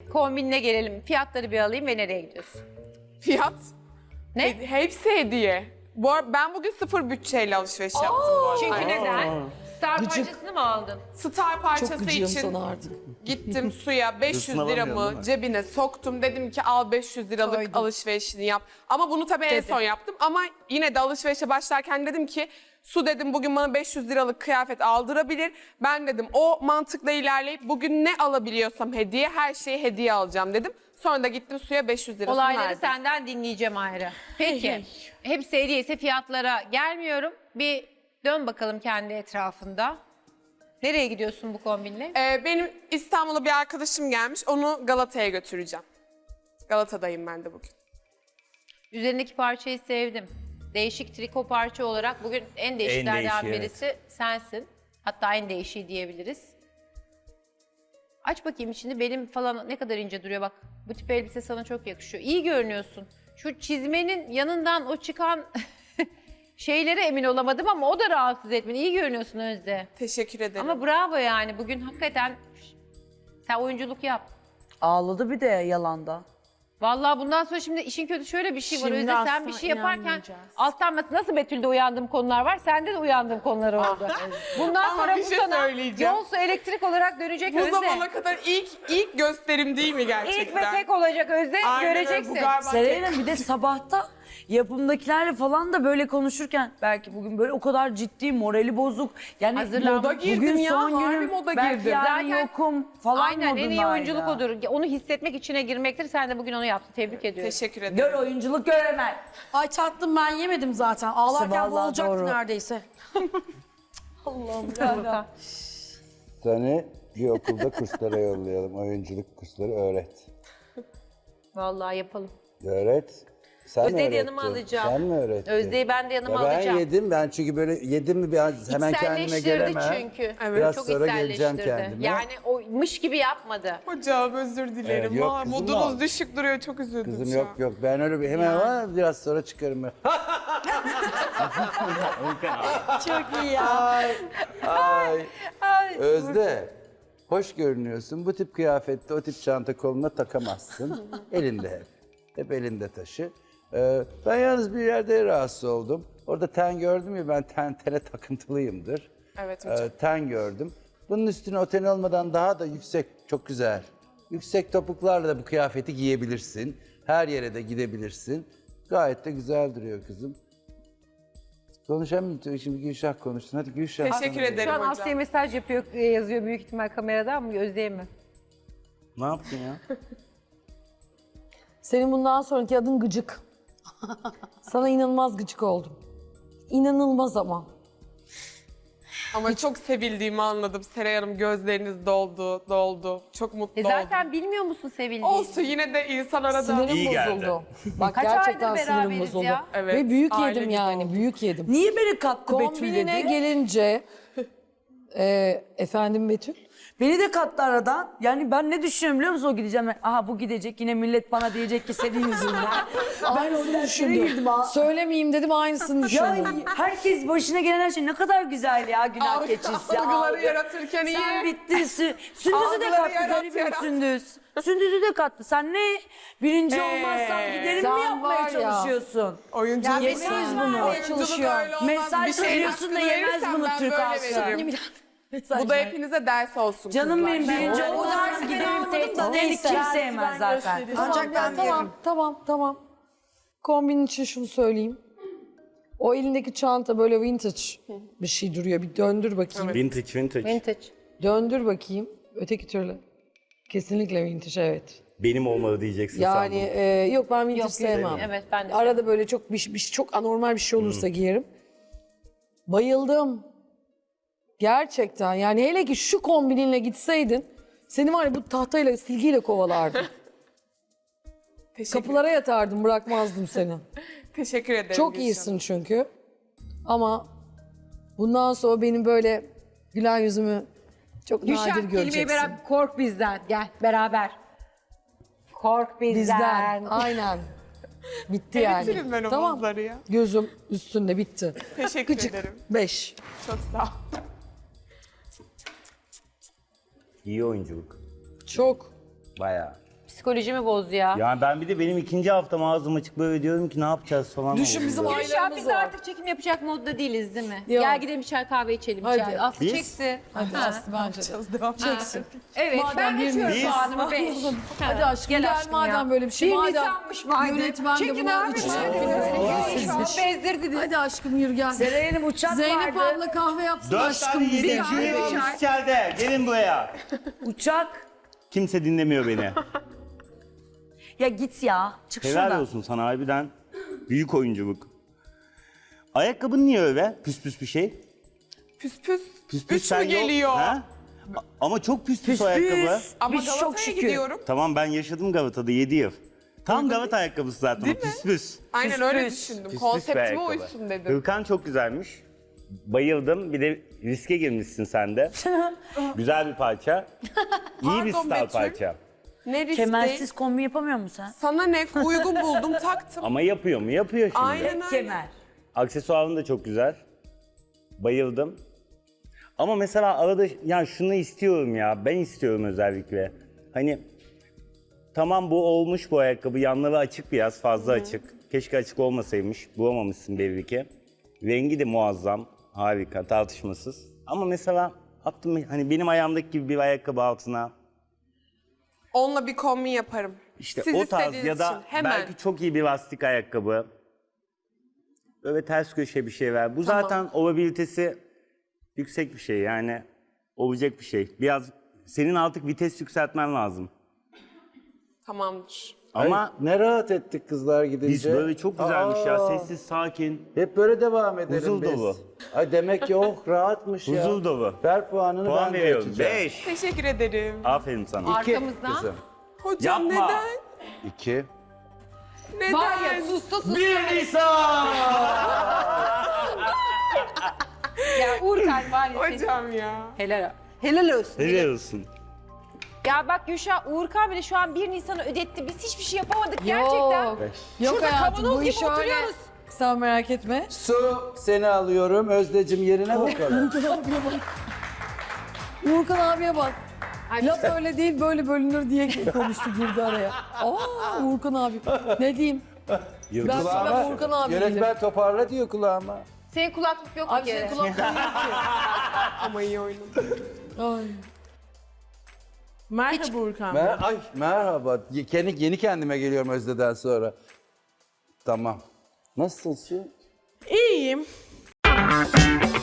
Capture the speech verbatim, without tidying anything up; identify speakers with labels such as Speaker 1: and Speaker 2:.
Speaker 1: kombinine gelelim. Fiyatları bir alayım ve nereye gidiyorsun?
Speaker 2: Fiyat?
Speaker 1: Ne?
Speaker 2: He- hepsi hediye. Bu ar- ben bugün sıfır bütçeyle alışveriş yaptım bu arada.
Speaker 1: Çünkü neden? Star parçasını mı aldın?
Speaker 2: Star
Speaker 3: Çok
Speaker 2: parçası
Speaker 3: gıcığım
Speaker 2: için
Speaker 3: sana artık.
Speaker 2: gittim suya beş yüz
Speaker 4: Hırsını alamıyorsun, değil
Speaker 2: liramı
Speaker 4: mi?
Speaker 2: cebine soktum. Dedim ki al beş yüz liralık
Speaker 3: Koydum.
Speaker 2: alışverişini yap. Ama bunu tabii en
Speaker 1: Dedim.
Speaker 2: son yaptım. Ama yine de alışverişe başlarken dedim ki Su dedim bugün bana beş yüz liralık kıyafet aldırabilir. Ben dedim o mantıkla ilerleyip bugün ne alabiliyorsam hediye her şeyi hediye alacağım dedim. Sonra da gittim Su'ya beş yüz lirasını
Speaker 1: Olayları
Speaker 2: verdim.
Speaker 1: senden dinleyeceğim ayrı. Peki. Hepsi hediyeyse fiyatlara gelmiyorum. Bir dön bakalım kendi etrafında. Nereye gidiyorsun bu kombinle?
Speaker 2: Ee, benim İstanbul'a bir arkadaşım gelmiş. Onu Galata'ya götüreceğim. Galata'dayım ben de bugün.
Speaker 1: Üzerindeki parçayı sevdim. Değişik triko parça olarak bugün en değişiklerden
Speaker 4: değişiği,
Speaker 1: birisi sensin. Hatta en değişiği diyebiliriz. Aç bakayım içini, belim falan ne kadar ince duruyor bak. Bu tip elbise sana çok yakışıyor. İyi görünüyorsun. Şu çizmenin yanından o çıkan şeylere emin olamadım ama o da rahatsız etmeni. İyi görünüyorsun Özde.
Speaker 2: Teşekkür ederim.
Speaker 1: Ama bravo yani bugün hakikaten sen oyunculuk yap.
Speaker 5: Ağladı bir de yalanda.
Speaker 1: Vallahi bundan sonra şimdi işin kötü şöyle bir şey var.
Speaker 3: Şimdi
Speaker 1: Özde sen
Speaker 3: asla
Speaker 1: bir şey yaparken
Speaker 3: inanmayacağız.
Speaker 1: alttan bas- nasıl Betül'de uyandığım konular var. Sende de uyandığım konular oldu. Bundan
Speaker 2: Ama
Speaker 1: sonra
Speaker 2: bir
Speaker 1: bu
Speaker 2: şey
Speaker 1: sana
Speaker 2: söyleyeceğim.
Speaker 1: yol su elektrik olarak dönecek
Speaker 2: bu
Speaker 1: Özde.
Speaker 2: zamana kadar ilk ilk gösterim değil mi gerçekten?
Speaker 1: İlk ve tek olacak Özde,
Speaker 2: Aynen öyle,
Speaker 1: göreceksin.
Speaker 2: bu galiba
Speaker 5: Seray'ın
Speaker 2: tek.
Speaker 5: bir de sabahta yapımdakilerle falan da böyle konuşurken belki bugün böyle o kadar ciddi, morali bozuk. Yani
Speaker 1: Hazırlan-
Speaker 2: Moda girdim
Speaker 5: bugün
Speaker 2: ya,
Speaker 5: son
Speaker 2: harbi
Speaker 5: günüm,
Speaker 2: moda
Speaker 5: belki
Speaker 2: girdim.
Speaker 5: yarın
Speaker 1: Zaten-
Speaker 5: yokum falan
Speaker 1: Aynen en iyi
Speaker 5: modundaydı.
Speaker 1: oyunculuk odur. Onu hissetmek içine girmektir. Sen de bugün onu yaptın. Tebrik ediyorum.
Speaker 2: Teşekkür ederim.
Speaker 5: Gör oyunculuk göremez.
Speaker 3: Ay tatlım ben yemedim zaten. Ağlarken
Speaker 5: Vallahi
Speaker 3: boğulacaktı
Speaker 5: doğru.
Speaker 3: neredeyse.
Speaker 1: Furkan.
Speaker 6: Seni bir okulda kurslara yollayalım. Oyunculuk kursları öğret.
Speaker 1: Vallahi yapalım.
Speaker 6: Öğret. Sen
Speaker 1: Özde'yi de
Speaker 6: öğrettin.
Speaker 1: yanıma alacağım.
Speaker 6: Sen mi öğrettin?
Speaker 1: Özde'yi ben de yanıma
Speaker 6: Ya ben
Speaker 1: alacağım.
Speaker 6: yedim. Ben çünkü böyle yedim mi bir an hemen kendime
Speaker 1: İçselleştirdi
Speaker 6: gelemem.
Speaker 1: çünkü.
Speaker 2: Evet.
Speaker 6: Biraz
Speaker 1: Çok
Speaker 6: sonra geleceğim
Speaker 1: içselleştirdi.
Speaker 6: kendime.
Speaker 1: Yani o mış gibi yapmadı.
Speaker 2: Hocam özür dilerim.
Speaker 6: Evet, yok
Speaker 2: Aa,
Speaker 6: kızım
Speaker 2: modunuz
Speaker 6: da-
Speaker 2: düşük duruyor. Çok üzüldüm
Speaker 6: Kızım
Speaker 2: şu
Speaker 6: yok
Speaker 2: an.
Speaker 6: yok. Ben öyle bir hemen ama biraz sonra çıkarım ben.
Speaker 3: Çok iyi ya.
Speaker 6: Ay. Özde. Hoş görünüyorsun. Bu tip kıyafette o tip çanta koluna takamazsın. Elinde hep. Hep elinde taşı. Ee, ben yalnız bir yerde rahatsız oldum. Orada ten gördüm ya, ben ten tene takıntılıyımdır.
Speaker 2: Evet hocam.
Speaker 6: Ee, ten gördüm. Bunun üstüne o ten olmadan daha da yüksek, çok güzel. Yüksek topuklarla da bu kıyafeti giyebilirsin. Her yere de gidebilirsin. Gayet de güzel duruyor kızım. Konuşamıyorum. Şimdi Gülşah konuştun. Hadi Gülşah.
Speaker 2: Teşekkür
Speaker 6: sana-
Speaker 2: ederim
Speaker 1: Şu an
Speaker 2: hocam.
Speaker 1: Aslı'ya mesaj yapıyor, e, yazıyor büyük ihtimal kameradan mı, Özde'ye mi?
Speaker 6: Ne yaptın ya?
Speaker 3: Senin bundan sonraki adın Gıcık. Sana inanılmaz gıcık oldum. İnanılmaz ama.
Speaker 2: Ama çok sevildiğimi anladım. Seray Hanım gözleriniz doldu, doldu. Çok mutlu
Speaker 1: E
Speaker 2: oldum.
Speaker 1: zaten bilmiyor musun sevildiğini?
Speaker 2: Olsun yine de insan arada...
Speaker 3: Sinirim
Speaker 4: İyi geldi.
Speaker 3: bozuldu. Bak
Speaker 1: Kaç
Speaker 3: gerçekten
Speaker 1: aydır
Speaker 3: sinirim
Speaker 1: beraberiz
Speaker 3: bozuldu.
Speaker 1: ya?
Speaker 2: Evet,
Speaker 3: Ve büyük
Speaker 2: aile
Speaker 3: yedim
Speaker 2: gibi
Speaker 3: yani,
Speaker 2: oldu.
Speaker 3: büyük yedim.
Speaker 5: Niye beni kattı Betül
Speaker 3: Kombinine
Speaker 5: dedi?
Speaker 3: gelince, e, efendim Betül,
Speaker 5: Beni de kattı aradan. Yani ben ne düşünüyorum biliyor musun o gideceğim? Aha bu gidecek yine millet bana diyecek ki senin yüzünden.
Speaker 3: ben onu
Speaker 5: girdim
Speaker 3: düşündüm.
Speaker 5: ha.
Speaker 3: Söylemeyeyim dedim, aynısını
Speaker 5: Ya
Speaker 3: düşündüm.
Speaker 5: herkes başına gelen her şey ne kadar güzel ya, günah
Speaker 2: Algı-
Speaker 5: keçisi.
Speaker 2: algıları
Speaker 5: algı.
Speaker 2: yaratırken iyi.
Speaker 5: Sen bittin. Sü- Sündüz'ü de
Speaker 2: Algıları
Speaker 5: kattı
Speaker 2: yarat,
Speaker 5: garibim
Speaker 2: yarat.
Speaker 5: Sündüz. Sündüz'ü de kattı. Sen ne birinci
Speaker 2: Ee,
Speaker 5: olmazsan giderim
Speaker 3: sen
Speaker 5: mi yapmaya
Speaker 3: var ya.
Speaker 5: çalışıyorsun?
Speaker 2: Oyunculuk
Speaker 5: Ya yemeyiz bunu.
Speaker 2: Oyunculuk öyle olmaz.
Speaker 5: Mesaj
Speaker 2: Bir şeyin
Speaker 5: veriyorsun da
Speaker 2: hakkını
Speaker 5: yemez
Speaker 2: verirsen
Speaker 5: bunu
Speaker 2: ben
Speaker 5: Türk
Speaker 2: böyle
Speaker 5: halkı.
Speaker 2: veririm. Bu da hepinize ders olsun
Speaker 5: Canım
Speaker 2: kızlar.
Speaker 5: benim birinci
Speaker 3: O
Speaker 5: olmazsan
Speaker 3: dersi
Speaker 5: giderim
Speaker 3: ben
Speaker 5: tek
Speaker 3: almadım da
Speaker 5: dedik
Speaker 3: neyse.
Speaker 5: kim sevmez zaten.
Speaker 3: Ancak ben tamam, tamam, tamam. Kombin için şunu söyleyeyim. O elindeki çanta böyle vintage bir şey duruyor. Bir döndür bakayım.
Speaker 4: Vintage, vintage.
Speaker 1: Vintage.
Speaker 3: Döndür bakayım. Öteki türlü. Kesinlikle vintage, evet.
Speaker 4: Benim olmalı diyeceksin
Speaker 3: Yani
Speaker 4: sandım.
Speaker 3: e, yok ben vintage
Speaker 1: Yok,
Speaker 3: sevmem.
Speaker 1: evet, ben de
Speaker 3: Arada böyle çok bir, bir çok anormal bir şey olursa giyerim. Bayıldım. Gerçekten yani hele ki şu kombininle gitseydin seni var ya bu tahtayla silgiyle kovalardım.
Speaker 2: Teşekkür,
Speaker 3: Kapılara yatardım, bırakmazdım seni.
Speaker 2: teşekkür ederim.
Speaker 3: Çok
Speaker 2: Gülşen.
Speaker 3: iyisin çünkü. Ama bundan sonra benim böyle gülen yüzümü çok nadir
Speaker 1: Gülşen kelimeyi
Speaker 3: göreceksin.
Speaker 1: beraber kork bizden. Gel beraber. Kork bizden.
Speaker 3: Bizden. Aynen. Bitti yani.
Speaker 2: Eritirim ben o
Speaker 3: Tamam.
Speaker 2: buzları ya.
Speaker 3: Gözüm üstünde bitti.
Speaker 2: Teşekkür
Speaker 3: Gıcık.
Speaker 2: ederim.
Speaker 3: Beş.
Speaker 2: Çok sağ ol.
Speaker 4: İyi oyunculuk.
Speaker 3: Çok.
Speaker 6: Bayağı.
Speaker 1: Psikolojimi bozdu ya.
Speaker 4: Yani ben bir de benim ikinci haftam ağzım açık böyle diyorum ki ne yapacağız falan.
Speaker 3: Düşün
Speaker 4: oluyor.
Speaker 3: bizim
Speaker 1: Gülşah
Speaker 3: ailelerimiz
Speaker 1: biz
Speaker 3: var.
Speaker 1: artık çekim yapacak modda değiliz değil mi?
Speaker 3: Yok.
Speaker 1: Gel gidelim bir çay kahve içelim.
Speaker 3: Hadi.
Speaker 1: içeride. Aslı
Speaker 4: Biz?
Speaker 1: çeksin.
Speaker 3: Hadi
Speaker 1: Ha.
Speaker 3: Aslı bence de. Çeksin.
Speaker 1: Evet
Speaker 3: Madem
Speaker 1: ben
Speaker 3: bir
Speaker 1: geçiyorum
Speaker 4: Nisan-
Speaker 1: puanımı beş.
Speaker 3: Hadi aşkım gel,
Speaker 1: aşkım
Speaker 3: madem
Speaker 1: ya.
Speaker 3: böyle bir şey.
Speaker 1: Bir
Speaker 3: madem
Speaker 1: Nisan'mış madem.
Speaker 3: yönetmen de
Speaker 1: Çekin
Speaker 3: buna
Speaker 1: abi,
Speaker 3: üç
Speaker 1: çekin. Şu an bezdirdiniz.
Speaker 3: Hadi aşkım yürü gel.
Speaker 5: Seray Hanım uçak
Speaker 3: Zeynep
Speaker 5: vardı.
Speaker 3: abla kahve yapsın
Speaker 4: Dört
Speaker 3: aşkım
Speaker 4: tane
Speaker 3: bize.
Speaker 4: yedi içeri olmuş içeride. Gelin buraya.
Speaker 5: Uçak.
Speaker 4: Kimse dinlemiyor beni.
Speaker 5: Ya git ya. Çık
Speaker 4: Helal
Speaker 5: şuradan.
Speaker 4: olsun sana harbiden. Büyük oyunculuk. Ayakkabın niye öyle? Püs püs bir şey.
Speaker 2: Püs püs.
Speaker 4: Püs püs
Speaker 2: Üç
Speaker 4: sen
Speaker 2: mü
Speaker 4: yok-
Speaker 2: geliyor?
Speaker 4: Ha? A- Ama çok püs püs,
Speaker 5: Püs
Speaker 4: o ayakkabı.
Speaker 5: püs.
Speaker 2: Ama
Speaker 5: Biz çok
Speaker 2: Galata'ya
Speaker 5: şükür.
Speaker 2: gidiyorum.
Speaker 4: Tamam ben yaşadım Galata'da yedi yıl. Tam Galata ayakkabısı zaten o
Speaker 2: Değil mi?
Speaker 4: püs püs.
Speaker 2: Aynen
Speaker 5: Püs
Speaker 2: öyle
Speaker 5: püs.
Speaker 2: düşündüm.
Speaker 4: Püs püs bir
Speaker 2: Konseptime
Speaker 4: ayakkabı.
Speaker 2: uysun dedim.
Speaker 4: Hırkan çok güzelmiş. Bayıldım. Bir de riske girmişsin sen de. Güzel bir parça. İyi bir
Speaker 2: Pardon
Speaker 4: style
Speaker 2: Betül.
Speaker 4: parça.
Speaker 2: Ne risk
Speaker 5: Kemersiz
Speaker 2: değil.
Speaker 5: kombi yapamıyor musun sen?
Speaker 2: Sana ne uygun buldum taktım.
Speaker 4: Ama yapıyor mu? Yapıyor şimdi.
Speaker 2: Aynen öyle.
Speaker 5: Kemer.
Speaker 4: Aksesuarın da çok güzel. Bayıldım. Ama mesela arada ya şunu istiyorum ya. Ben istiyorum özellikle. Hani tamam bu olmuş bu ayakkabı. Yanları açık biraz fazla açık. Keşke açık olmasaymış. Bulamamışsın belli ki. Rengi de muazzam. Harika tartışmasız. Ama mesela attım hani benim ayağımdaki gibi bir ayakkabı altına
Speaker 2: Onunla bir kombin yaparım.
Speaker 4: İşte
Speaker 2: Siz
Speaker 4: o tarz
Speaker 2: istediğiniz
Speaker 4: ya da
Speaker 2: için. Hemen.
Speaker 4: belki çok iyi bir lastik ayakkabı. Böyle ters köşe bir şey ver. Bu zaten olabilitesi yüksek bir şey yani olacak bir şey. Biraz senin artık vites yükseltmen lazım.
Speaker 2: Tamamdır.
Speaker 4: Ama
Speaker 6: Ay, ne rahat ettik kızlar gidince.
Speaker 4: biz böyle çok güzelmiş ya
Speaker 6: Aa,
Speaker 4: sessiz sakin.
Speaker 6: Hep böyle devam edelim
Speaker 4: Huzur
Speaker 6: biz.
Speaker 4: dolu.
Speaker 6: Ay demek ki oh rahatmış ya.
Speaker 4: Huzur dolu.
Speaker 6: Ver puanını
Speaker 4: Puan
Speaker 6: ben de
Speaker 4: veriyorum.
Speaker 6: açacağım.
Speaker 4: Beş.
Speaker 2: Teşekkür ederim.
Speaker 4: Aferin sana.
Speaker 6: İki
Speaker 1: Arkamızdan.
Speaker 6: kızım.
Speaker 2: Hocam
Speaker 4: Yapma.
Speaker 2: neden?
Speaker 6: İki.
Speaker 2: Neden?
Speaker 1: Var ya susta susta.
Speaker 4: Bir Nisan!
Speaker 1: Ya Uğurkan var ya. senin-
Speaker 2: Hocam ya.
Speaker 1: Helal. Helal olsun.
Speaker 4: Helal olsun.
Speaker 1: Ya bak Gülşah, Uğurkan bile şu an bir Nisan'ı ödetti. Biz hiçbir şey yapamadık gerçekten.
Speaker 6: Beş.
Speaker 3: Yok
Speaker 1: Şurada
Speaker 3: hayatım
Speaker 1: kavanoz
Speaker 3: bu
Speaker 1: gibi
Speaker 3: iş öyle.
Speaker 1: oturuyoruz.
Speaker 3: Sen merak etme.
Speaker 6: Su seni alıyorum. Özdecim yerine bakalım.
Speaker 3: Uğurkan abiye bak. Uğurkan abiye bak. Laf öyle değil böyle bölünür diye konuştu girdi araya. Aa Uğurkan abi. Ne diyeyim? Ben
Speaker 4: Yıldız.
Speaker 3: sana Uğurkan abi değilim.
Speaker 6: Yönetmen toparla diyor kulağıma.
Speaker 1: Senin kulaklık yok
Speaker 3: Abi
Speaker 1: bir kere.
Speaker 3: senin kulakların yok ki.
Speaker 2: Ama iyi oynadın.
Speaker 3: Ay.
Speaker 2: Merhaba Urkan.
Speaker 6: Mer Ay merhaba. Ye- Kendi, yeni kendime geliyorum Özde'den sonra. Tamam. Nasılsın?
Speaker 2: İyiyim.